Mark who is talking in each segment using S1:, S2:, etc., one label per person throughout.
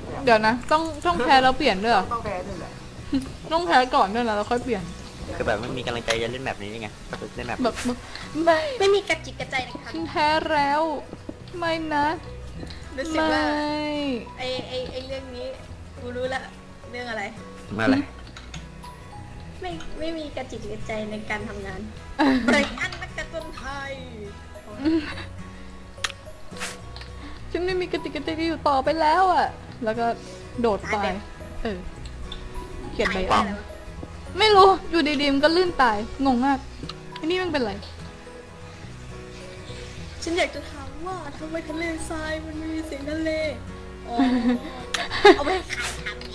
S1: เดี๋ยวนะต้องแพ้แล้วเปลี่ยนด้วยเหรอ
S2: ต้องแพ้ด้วยแหละ
S1: ต้องแพ้ก่อนด้วยนะแล้วค่อยเปลี่ยน
S3: คือแบบไม่มีกำลังใจจะเล่นแบบนี้ไงเล่นแบบ
S1: แบบไม่
S4: ไม่มีกระจิกกระใจนะคะ
S1: ฉันแพ้แล้วไม่นะ
S4: รู้สึก
S1: ไม่
S4: ว่าไอเรื่องนี้กูรู้ละเรื่องอะไร
S3: มาอะไร
S4: ไม่มีกระจิกกระใจในการทำงานเบรกอันนักการ์ตูนไทย
S1: ฉันไม่มีกระติกกระใจที่อยู่ต่อไปแล้วอ่ะแล้วก็โดดไปเขียนใบ
S4: ตา
S1: อ่ะ
S4: ยแล้วะ
S1: ไม่รู้อยู่ดีๆมันก็ลื่นตายงงมากอันนี้มันเป็นไร
S4: ฉันอยากจะถามว่าทำไมทะเลทรายมันไม่มีเสียงทะเลอ๋อเอาไปขายทำไง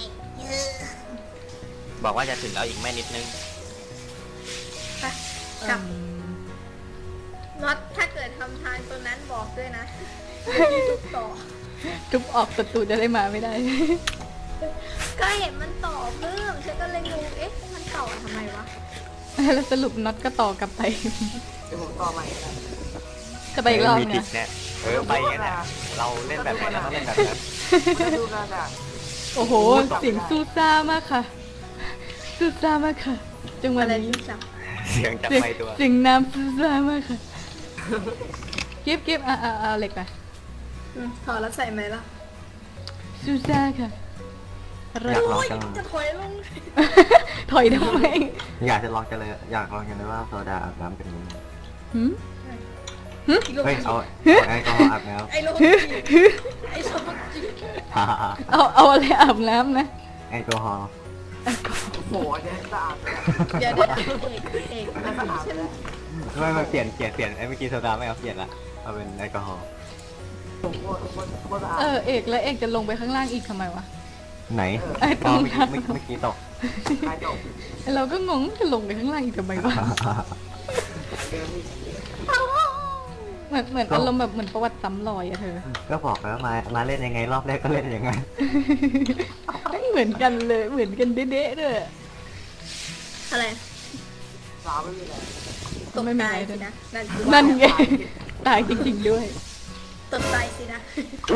S3: บอกว่าจะถึงแล้วอีกไม่นิดนึง
S4: ไปกลับน็อตถ้าเกิดทำทางตัวนั้นบอกด้วยนะมีทุกต่อ
S1: ทุบออกประตูจะได้มาไม่ได้
S4: ก็เห็นมันต่อเพิ่มฉันก็เลยงงเอ๊ะมันต่อทำไมวะ
S1: แล้วสรุปน็อตก็ต่อกลับไป
S2: เดี๋ยวผมต่อใหม่นะ
S1: จะไปอีกรอบ
S3: มี
S1: ไง
S3: ติดเนี่ยไปงั้นแหละเราเล่นแบบไหนเราต้องเล่นแบบนั้น
S2: มาดูกันอ่ะ
S1: โอ้โหเสียงซูซ่ามากค่ะซูซ่ามากค่ะจังหวะ
S4: อะไร
S1: นี้
S4: ที่สับ
S3: เสียงจับ
S1: เสียง
S3: ไปตัว
S1: เสียงน้ำซูซ่ามากค่ะเก็บเอาเหล็กไป
S4: ถอดแล้วใส่ไหมล่ะ
S1: ซูซ่าค่ะอะไร
S3: อยากลอง
S4: โอ้ย
S3: จัง
S4: จะถอยลง
S1: ถอยทำไม
S3: อยากจะลองจังเลยอยากลองจังเลยว่าโซดาอาบน้ำเป็นยังไง
S1: หืม
S4: อีกลง
S3: เฮ้ยเอาแอลกอฮอล์อาบน้ำ
S4: ไอ้ลงไอ้สมจิ
S1: เอาอะไรอาบน้ำนะ
S3: แอลกอฮอล์
S2: โอ้โหอันนี้สะอาดเลย
S4: เดี๋ยวเอก
S2: น่าสะอาดเลย
S3: ไม่เปลี่ยนไอ้เมื่อกี้โซดาไม่เอาเปลี่ยนละเอาเป็นแอลกอฮอล์
S2: ผมว่าสะอาด
S1: เอกแล้วเอกจะลงไปข้างล่างอีกทำไมวะ
S3: ไหน
S1: ไอ้ตรงนั้น
S3: เมื่อกี้ตก
S2: ใครจบ
S1: เราก็งงจะลงไปข้างล่างอีกทำไมวะ
S2: เดิมอีก
S1: เหมือนอารมณ์แบบเหมือนประวัติซ้ำรอยอะเธอ
S3: ก็บอกแล้วมาเล่นยังไงรอบแรกก็เล่นยังไง
S1: เหมือนกันเลยเหมือนกันเด๊ะๆด้วย
S4: อะไร
S2: สาวไม่มีอะไร
S4: ตกตายสินะนั่นคือ
S1: นั่นไงตายจริงๆด้วย
S4: ตกตายสินะ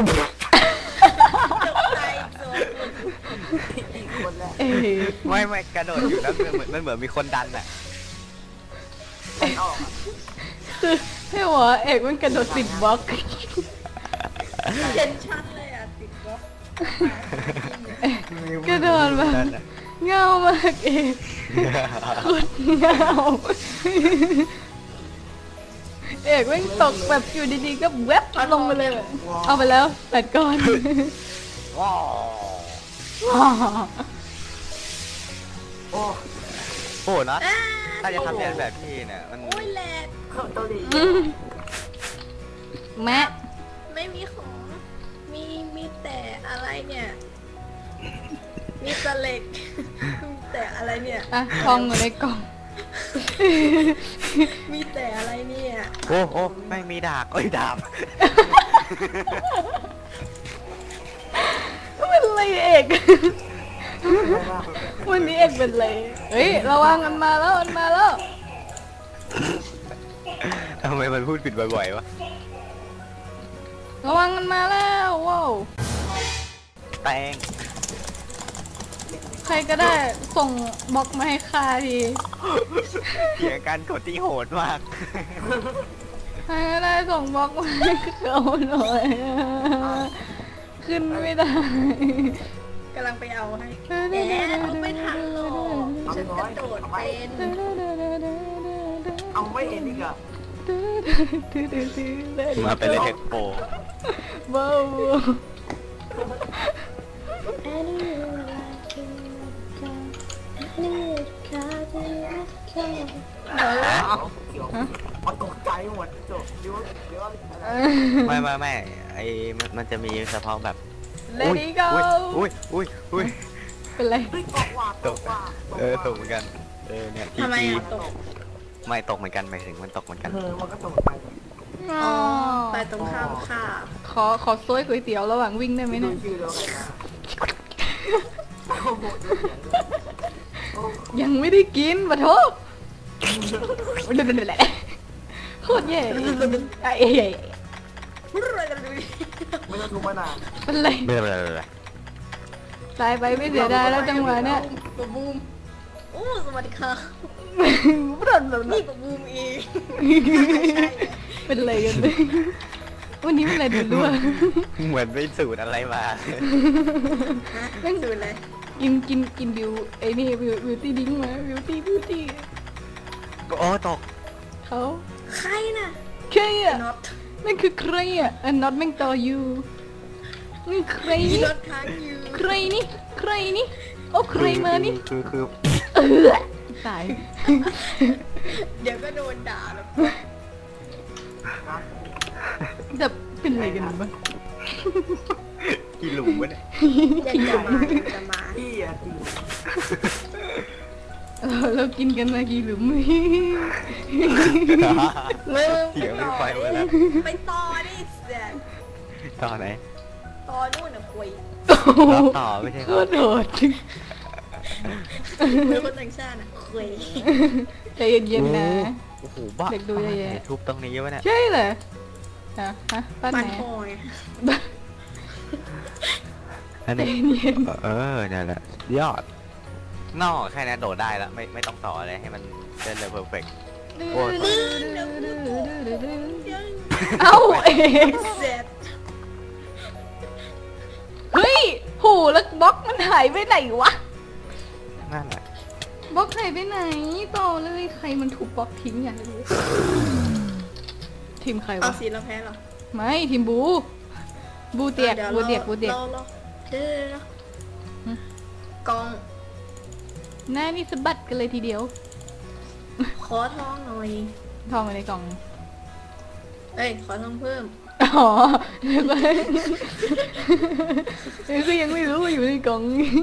S4: ตกตายโซน
S2: อีกคนแรก
S1: เอ๊ะ
S3: ไม่กระโดดอยู่แล้วมันเหมือนมีคนดันอ่ะ
S2: มันออกอ่ะ
S1: คือให้หัวเอกมันกระโดดติดบล็อก
S4: เห็นชัดเลยอ่ะติดบล็อก
S1: กระโดดแบบเงามากเอกโคตรเงาเอกแม่งตกแบบอยู่ดีๆก็แวบลงไปเลยเอาไปแล้ว8 ก้อน
S3: ว้าว
S2: โอ้
S3: โอ้นะถ้าจะทำเรียนแบบพี่เนี่ยมัน
S4: โอ้ยแหลก
S2: เข้าเกาหลี
S1: แม่
S4: ไม่มีของมีแต่อะไรเนี่ยมีแต่เหล็กมีแต่อะไรเนี่ย
S1: อะทองอยู่ในกล่อง
S4: มีแต่อะไรเนี่ย
S3: โอ้ไม่มีดาบดาบ
S1: เป็นไรเอกวันนี้เอกเป็นไรเฮ้ยระวังมันมาแล้ว
S3: ทำไมมันพูดผิดบ่อยๆวะ
S1: ระวังมันมาแล้วว้าว
S3: แตง
S1: ใครก็ได้ส่งบล็อกมาให้ข้าที
S3: เถียงกันกดที่โหดมาก
S1: ใครก็ได้ส่งบล็อกมาให้เขาหน่อยขึ้นไม่ได้
S4: กำลังไปเอาให้แหมเอาไม่ทันหรอกฉันกระโดดเป็น
S2: เอาไม่เห็นอีกอ่ะ
S3: มาเป็นเลยเทคโป
S1: ว้าว
S2: เอาเขียวมันตกใจหมดจบเดี๋ยว
S3: ไม่ไอ้มันจะมีเฉพาะแบบ
S1: เลดี้ก็
S3: อุ้ย
S1: เป็นไร
S2: เฮ้ยตกว่าตกว่า
S3: ตกเหมือนกันเนี่ยที
S4: ทำไม
S3: จี
S4: อ่ะตก
S3: ไม่ตกเหมือนกันหมายถึงมันตกเหมือนกัน
S2: มันก็ตกไป
S4: อ๋อไปตรงข้ามค่ะ
S1: ขอซวยก๋วยเตี๋ยวระหว่างวิ่งได้ไหม
S2: ดู
S1: เนี่ย
S2: ชื่อแล้วกันนะโอ้โห
S1: ยังไม่ได้กินปะโทษโคตรแย่ไอ้เหี้ย
S2: ไม่ต้องทุบมานาน
S1: เป็นไร
S3: ไม่เป็นไร
S1: ตายไปไม่เสียดายแล้วจังหวะเนี้ย
S4: ปะบูมโอ้สวัสดีค่ะ
S1: ไม่โดนแบบ
S4: นี่
S1: นั้น
S4: ปะบูมเอง
S1: เป็นอะไรกันเลยวันนี้เป็นอะไรดูด้วย
S3: เหมือนไปสูตรอะไรมา
S4: แม่งดูเลย
S1: กินบิวไอ้นี่บิวตี้ดิ้งมาบิวตี้
S3: ก็โอ้ตก
S1: เขา
S4: ใครน่ะ
S1: ใครอ่ะ
S4: น็อต
S1: นั่นคือใครอ่ะอันน็อตแม่งต่ออยู่นี่ใคร
S4: มี
S1: นี่
S4: รถค้างอยู่
S1: ใครนี่ใครนี่โอ้ใครมานี่
S3: คือ
S1: ตาย
S4: เดี๋ยวก็โดนด่าแล้ว
S1: จะเป็นอะไรกันบ้าง
S3: กี่หลุมวะเนี่ย
S4: อยากจะมา
S2: พี่อะจริง
S1: เรากินกันมากี่หลุม
S4: มึง
S3: เสียงไม่ไปหมดแล้ว
S4: ไปต่อดิเสีย
S3: ต่อไหน
S4: ต่อนู่นน่ะคุย
S3: รับต่อไม่ใช่
S1: โค
S3: ครับ
S1: ตรโหด
S4: เป็นคนต่างชาติน่ะคุย
S1: ใจเย็นๆนะ
S3: โอ้โหบ้า
S1: เด็กดูแย่ๆ
S3: ทุบตรงนี้วะเนี่ย
S1: ใช่เหรอฮะบ้าน
S4: บ้า
S1: ไห
S4: น
S1: น
S4: พ่อไง
S3: อัน
S1: ใจ
S3: นี้
S1: เย็น
S3: นั่นแหละยอดนอกแค่นี้โดดได้แล้วไม่ต้องต่อเลยให้มันเดินเลยเพอร์เฟกต์ โอ้ย
S1: เอ้าเอง
S4: เสร็จ
S1: เฮ้ยหูแล้วบล็อกมันหายไปไหนวะ
S3: นั่นแหละ
S1: บล็อกหายไปไหนต่อเลยใครมันถูกบล็อกทิ้งอย่างนี้ทีมใคร
S4: เอา
S1: วะ
S4: สีเราแพ้เหรอ
S1: ไม่ทีมบูเตียก
S4: ดี๋ว
S1: บูเตียก
S4: รอเดี๋ยวกอง
S1: หน้านี่สะบัดกันเลยทีเดียว
S4: ขอทองหน่อย
S1: ทองอยู่ในกล่อง
S4: เอ้ยขอทองเพิ่ม
S1: อ๋อก็ยังไม่รู้ว่าอยู่ในกล่อง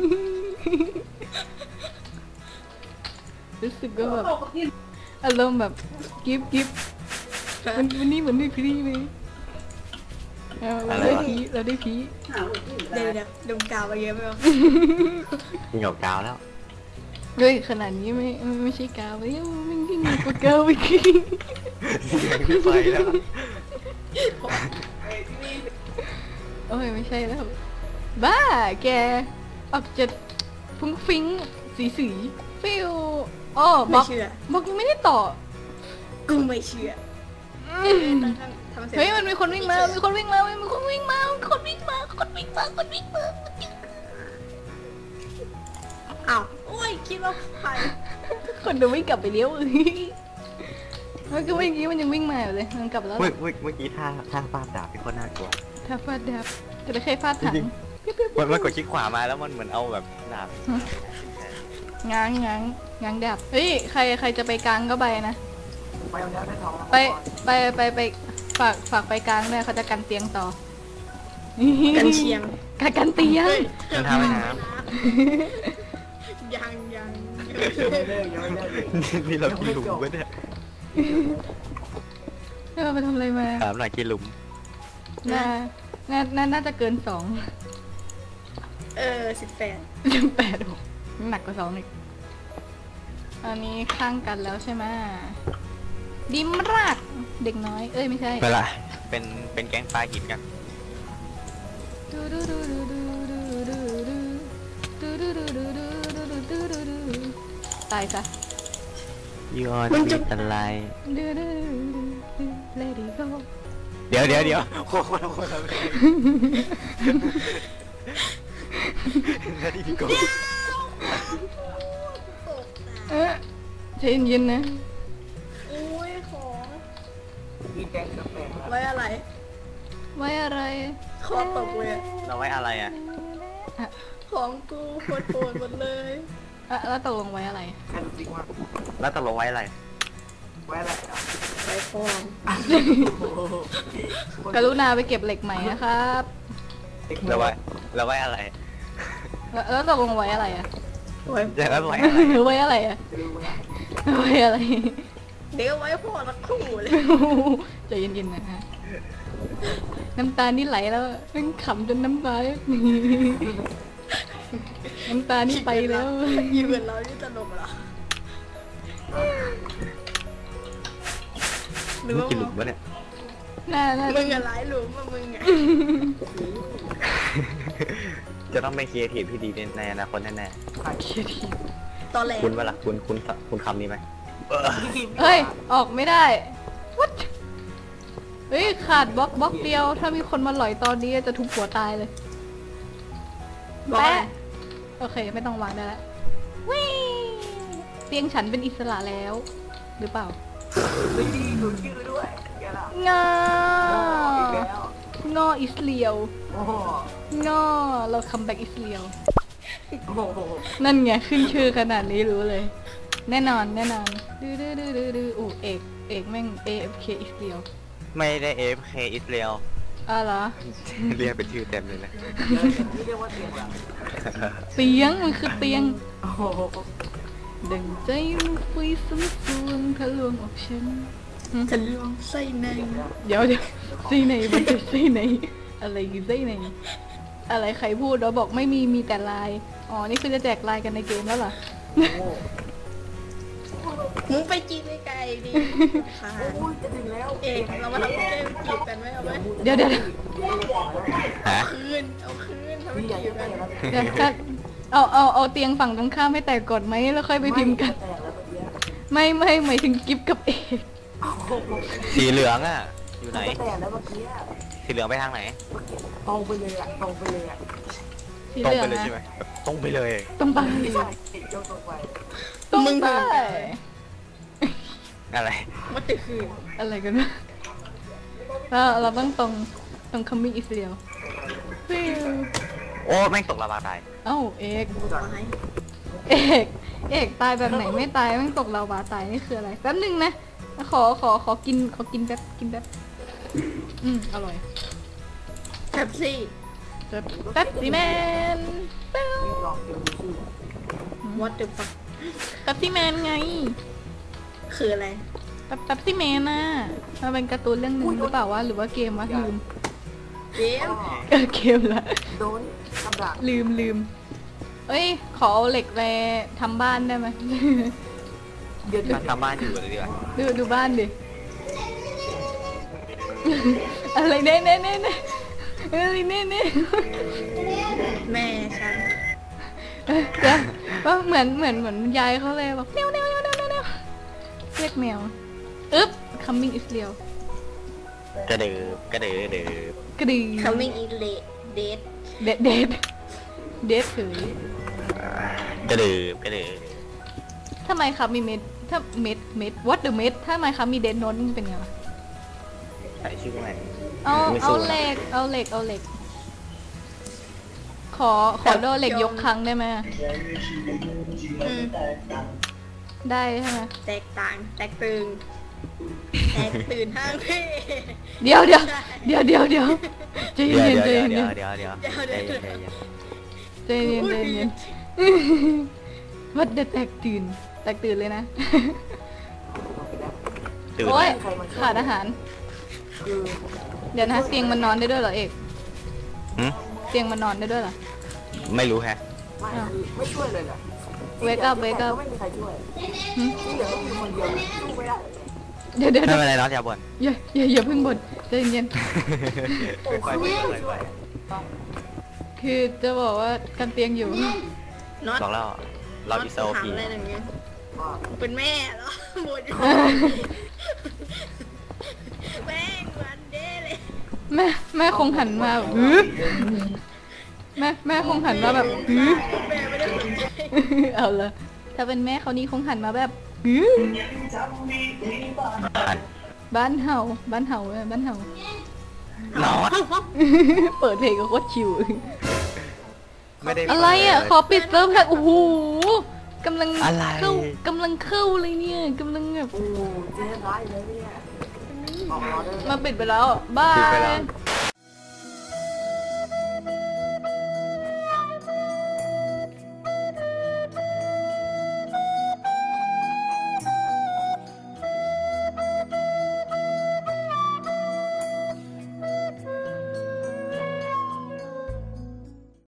S1: รู้สึกว่าแบบอารมณ์แบบกิฟวันนี้เหมือนได้พีไหมเราได้พี
S4: เดี๋ยวดมกาวไปเยอะไหมวะ
S3: ยิงกับกาวแล้ว
S1: เฮ้ยขนาดนี้ไม่ใช่กาวเว้ยมันยิ่งกว่ากาวอีก
S3: เสียงไม่ไปแล้ว
S1: โอ้ยไม่ใช่แล้วบ้าแกออกจะฟุ้งฟิ้งสีฟิวอ๋อบ
S4: ไม่
S1: ล็อก
S4: เชื่อ
S1: บล็อกยังไม่ได้ต่อ
S4: กูไม่เชื่อทำเสร็จ
S1: เฮ้ยมันมีคนวิ่งมามีคนวิ่งมามีคนวิ่งมา
S4: อ้าวโอ้ยคิดว่าใคร
S1: คนเดินวิ่งกลับไปเลี้ยวมันก็วิ่งมันยังวิ่งมาอยู่เลยมันกลับแล้ว
S3: เมื่อกี้ท่าฟาดดาบที่โคตรน่ากลัว
S1: ถ้าฟาดดับจะได้แค่ฟาดถัง
S3: มันกดคลิกขวามาแล้วมันเหมือนเอาแบบดาบ
S1: ง้างดับเฮ้ยใครจะไปกลางก็ไปนะ
S2: ไปเอาแล้วได้ทอง
S1: ไปฝากไปกลางด้วยเขาจะกันเตียงต่อ
S4: กันเชียง
S1: กันเตียง
S3: มันทำให้น้
S4: ยัง
S2: ยังไม่เลิกยังไม่เลิก
S3: ำนี่เรากี่หลุมวะเนี่ย
S1: เราไปทำอะไรมา
S3: ถามหน่อยกี่หลุม
S1: น่าจะเกิน2
S4: 18
S1: 8หนักกว่า2อีกอันนี้ข้างกันแล้วใช่ไหมดิมรากเด็กน้อยเอ้ยไม่ใช่
S3: ไปละเป็นแก๊งปลาหินกัน
S1: ตายซะ
S3: You are the light เดี๋ยวโคตรนาทีพี่โก
S1: ใจเย็นๆนะ
S4: อุ้ยของ
S2: พี่แก๊งสเปน
S4: ไว้อะไร
S1: ไว้อะไร
S4: คอตกเลย
S3: เราไว้อะไรอ่ะ
S4: ของกูโคตรโหดหมดเลย
S1: แล้วตกลงไว้อะไร
S2: แค่รู้สึกว่า
S3: แล้วตกลงไว้อะไร
S2: ไว้อะไรอ่ะ
S4: ไปฟอง
S1: กรุณาไปเก็บเหล็กใหม่นะครับ
S3: เราไว้อะไร
S1: แล้วตกลงไว้อะไรอะ
S4: ไว้
S3: จะแล้วไว้อะไร
S1: ไว้อะไรอะไว้อะไร
S4: เดี๋ยวไว้พ่อละคู่เลย
S1: ใจเย็นๆนะฮะน้ำตานี่ไหลแล้วมันขำจนน้ำตาน้ำตานี่ไปแล้ว
S4: อยู่กับเรานี่ตลกเหรอหรือ
S3: นี่
S4: ว่า
S3: กี่หลุมวะเนี่ย
S1: น่า
S4: มึงอะหลายหลุมอะมึงอะ
S3: จะต้องเป็นครีเอทีฟที่ดีในอนาคตแน่
S1: เคียที
S4: ตอนแรก
S3: ๆคุณว่าล่ะคุณคำนี้ไหม
S1: เฮ้ย ออกไม่ได้ what เฮ้ย ขาดบล็อกเดียว ถ้ามีคนมาหลอยตอนนี้จะทุบหัวตายเลย
S4: บอก
S1: แปะโอเค ไม่ต้องวางได้แล้ววิเตียงฉันเป็นอิสระแล้ว หรือเปล่า
S2: ไม่ดีดูชื่อด้วยแกละ
S1: งา
S2: อีกแล้ว
S1: งออิสเลียว
S2: โอ้โห
S1: งอเราคัมแบ็กอิสเลียว
S2: โอ้โห
S1: นั่นไงขึ้นชื่อขนาดนี้รู้เลย แน่นอนดื้ออู้เอกแม่ง AFK อิสเลียว
S3: ไม่ได้ AFK อิสราเอล
S1: อ้าวเหรอ
S3: เรียกเป็นชื่อเต็มเลยนะ
S2: นี่เรียกว่าเตียงแบบ
S1: เตียงมันคือเตียง
S2: โอ้โห
S1: ดังใจมันฟุยสมสวงทะลวงออกฉัน
S4: จะลวงไส้ใน
S1: เดี๋ยวไส้ในมันจะไส้ในอะไรคือไส้ในอะไรใครพูดเราบอกไม่มีแต่ลายอ๋อนี่คือจะแจกลายกันในเกมแล้วเหรอ
S4: มึงไปจีบไกลๆดิค่ะ
S2: โอ้ยจะถึงแล้ว
S4: เอกเรามาทำเกมจีบกันไหมเอาไหม
S1: เดี๋ยว
S3: ฮะ
S4: คืนเอาคืนทำ
S2: พี่อยาก
S4: จี
S2: จะ
S4: บ
S2: แต
S4: กัน
S2: กแล้ว
S1: ถ้าเอาเตียงฝั่งตรงข้ามให้แตกก่อนไหมแล้วค่อยไปพิมพ์กัน
S2: แตกแล้วเมื่อกี้
S1: ไม่หมายถึงกิฟกับเอก
S2: โอ้โห
S3: สีเหลืองอ่ะ อยู่ไหน
S2: แตกแล้วเมื่อกี้
S3: สีเหลืองไปทางไหน
S2: ตรงไปเลยอ่ะตรงไปเลยอ่ะ
S1: สี
S3: ตร
S1: เห
S3: ง
S1: ลือง
S3: ไปเลย
S1: นะ
S3: ใช่ไหมตรงไปเลย
S1: ตรงไป
S2: ไม่ใช่โยนตรงไป
S1: ตรง
S4: มึง
S1: ไป
S3: อะไร
S4: มันจะคืน
S1: อะไรกันวะเราต้องตรงคัมมิ่งอิสเรียลฟิว
S3: โอ้แม่งตกลาวาตาย
S1: เอ้าเอก
S4: ไม้
S1: เอกตายแบบไหนไม่ตายแม่งตกลาวาตายนี่คืออะไรแป๊บนึงนะขอกินแป๊บอร่อย
S4: แท็บซี่
S1: แป๊บซี่แมน
S2: ลองดูสิ
S4: what the fuck
S1: แป๊บซี่แมนไง
S4: คืออะไร
S1: แป๊บซี่แมนน่ะมันเป็นการ์ตูนเรื่องหนึ่งหรือเปล่าวะหรือว่าเกมวะลืม
S4: เกม
S1: เกมละ
S2: โดนกำลัง
S1: ลืมเอ้ยขอเอาเหล็กไปทำบ้านได้ไหม
S2: เดือด
S3: ทำบ้านอยู่เลยดีกว่า
S1: ดูบ้านดิ อะไรเน่อะไรเน่
S4: แม่ฉัน
S1: ก็เหมือนยายเขาเลยบอกแนวเรียกแมวอึ๊บ coming is real
S3: กระดือก
S1: กระดือ
S4: coming in late date
S1: เด็ดเฉย
S3: กระดือ
S1: ทำไมครับมีเม็ดถ้าเม็ด what the เม็ดถ้าไมครับมีเดนโนนเป็นไงวะ
S3: ใส่ชื่อไหน
S1: เอา
S3: ไม่สู้นะ
S1: เหล็กขอโดนเหล็กยกครั้งได้ไหม
S4: อืม
S1: ได้ใช่ไหม
S4: แตกต่างแตกตื่นแตกตื่นห้างพี่
S1: เดี๋ยวใจเย็น
S3: เดี๋ยว
S1: ใจเย็นวัดเดแตกตื่นเลยนะ
S3: ตื่น
S1: โอ้ยขาดอาหาร
S2: คือ
S1: เดี๋ยวนะเตียงมันนอนได้ด้วยเหรอเอก
S3: หึ
S1: เตียงมันนอนได้ด้วยเหรอ
S3: ไม่รู้แฮะ
S2: ไม่คือไม่ช่วยเลยแหละ
S1: wake up
S2: ไม่มีใครช่วยที่เหลือก็คือคนเดียวสู้ไม่ได้
S1: เดี๋ยว
S3: ไม่เป็นไรน้องอย่าบ่น
S1: อย่าเพิ่งบ่นใจเย็น
S3: ค่อยๆ
S2: ช่วย
S1: ๆคือจะบอกว่ากันเตียงอยู่
S4: น็อต
S3: บอกแล้วเราอิสโอ
S4: ถาม
S3: พี
S4: อะไรอย่างเงี้ยเป็นแม่เหรอหมดแม่งวันเด้เลย
S1: แม่คงหันมาแบบหือแม่คงหันมาแบบหือ
S4: แม่ไม่ได้สนใจ
S1: เอาละถ้าเป็นแม่เขานี่คงหันมาแบบหือ
S3: หัน
S1: บ้านเห่าบ้านเห่า
S3: นอน
S1: เปิดเพลงก็โคตรชิว
S3: ไม่ได้
S1: อะไรอ่ะ ขอปิดเซิร์ฟค่ะโอ้โหกำลัง
S3: อะไร
S1: เข้าเลยเนี่ยกำลังแบบ
S2: โอ้เจ๊ร้ายเลยเนี่ยออกรอได้
S1: มาปิดไปแล้วบา
S3: ปิดไปแล้
S1: ยว